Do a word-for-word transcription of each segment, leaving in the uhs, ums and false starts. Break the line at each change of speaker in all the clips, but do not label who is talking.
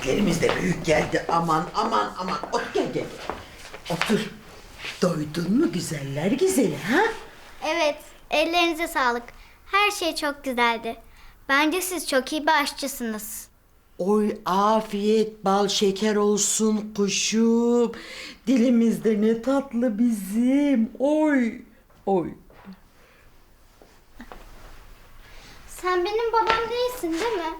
Böreklerimiz de büyük geldi. Aman aman aman. Otur gel gel. Otur. Doydun mu güzeller güzeli ha?
Evet, ellerinize sağlık. Her şey çok güzeldi. Bence siz çok iyi bir aşçısınız.
Oy afiyet bal şeker olsun kuşum. Dilimizde ne tatlı bizim. Oy oy.
Sen benim babam değilsin değil mi?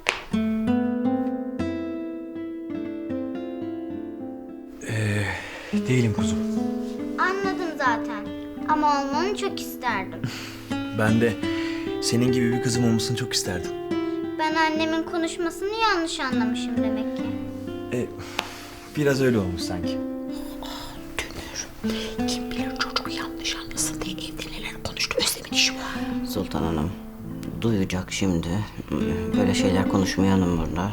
Değilim kuzum.
Anladım zaten. Ama olmanı çok isterdim.
Ben de senin gibi bir kızım olmasını çok isterdim.
Ben annemin konuşmasını yanlış anlamışım demek ki.
E, biraz öyle olmuş sanki.
Dönür. Kim bilir çocuk yanlış anlasın diye evde neler konuştu. Özlem'in işi var.
Sultan Hanım duyacak şimdi. Böyle şeyler konuşmayalım burada.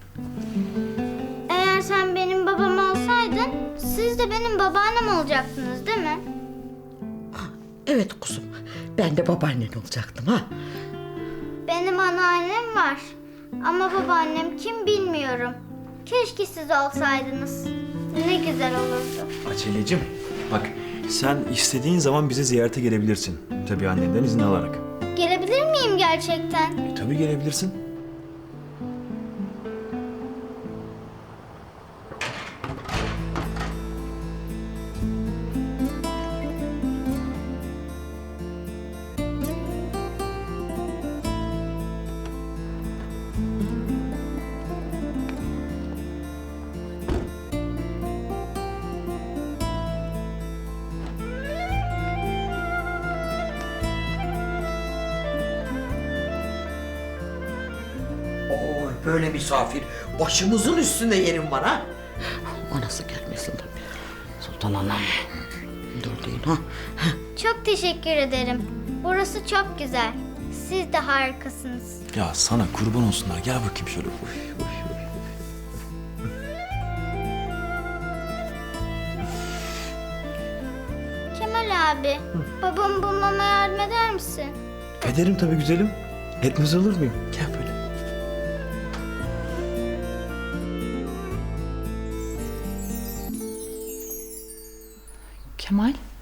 Eğer sen benim babam olsaydın, siz de benim babaannem olacaktınız değil mi?
Evet kuzum. Ben de babaannen olacaktım ha.
Benim anneannem var. Ama babaannem kim bilmiyorum. Keşke siz olsaydınız. Ne güzel olurdu.
Acelecim, bak sen istediğin zaman bize ziyarete gelebilirsin. Tabii annenden izin alarak.
Gelebilir miyim gerçekten?
E, tabii gelebilirsin.
Oy böyle misafir. Başımızın üstünde yerim var ha. O nasıl gelmesin tabii.
Sultan Hanım
Dur deyin ha.
Çok teşekkür ederim. Burası çok güzel. Siz de harikasınız.
Ya sana kurban olsunlar. Gel bakayım şöyle. Oy, oy, oy.
Kemal abi, babamı bulmama yardım eder misin?
Ederim tabii güzelim. Etmez olur muyum? Gel böyle.
Kemal,